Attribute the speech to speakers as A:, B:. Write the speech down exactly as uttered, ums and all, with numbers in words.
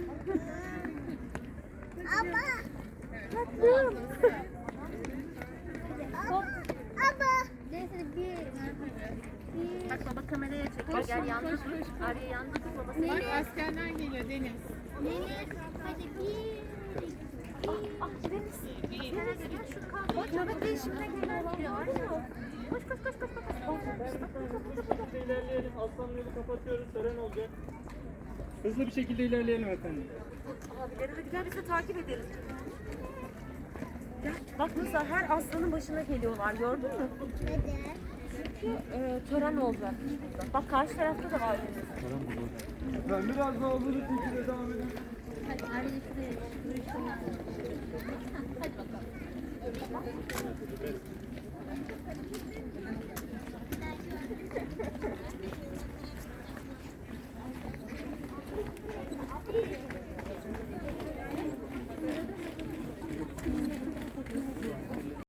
A: Ama. Tatlım. Ama. Neyse bir.
B: Bak baba kameraya çekiyor. Gel yandı dur. Arya yandı dur babası.
C: Bak askerler geliyor Deniz.
A: Deniz. Hadi bir.
B: Ah Deniz. Deniz gel şu kahve. Nöbet değişimine gelen geliyor. Arya. Koş koş koş koş koş.
D: İlerleyelim. Aslan yolu kapatıyoruz. Tören olacak. Hızlı bir şekilde ilerleyelim efendim.
B: Abileri hadi gel biz de takip edelim. Gel. Bak nasıl her aslanın başına geliyorlar gördün mü?
A: Neden?
B: Çünkü e, tören olacak. Bak karşı tarafta da var Deniz.
D: Ben biraz daha hızlı bir şekilde devam edelim.
A: Hadi Arya şuraya. Hadi bakalım.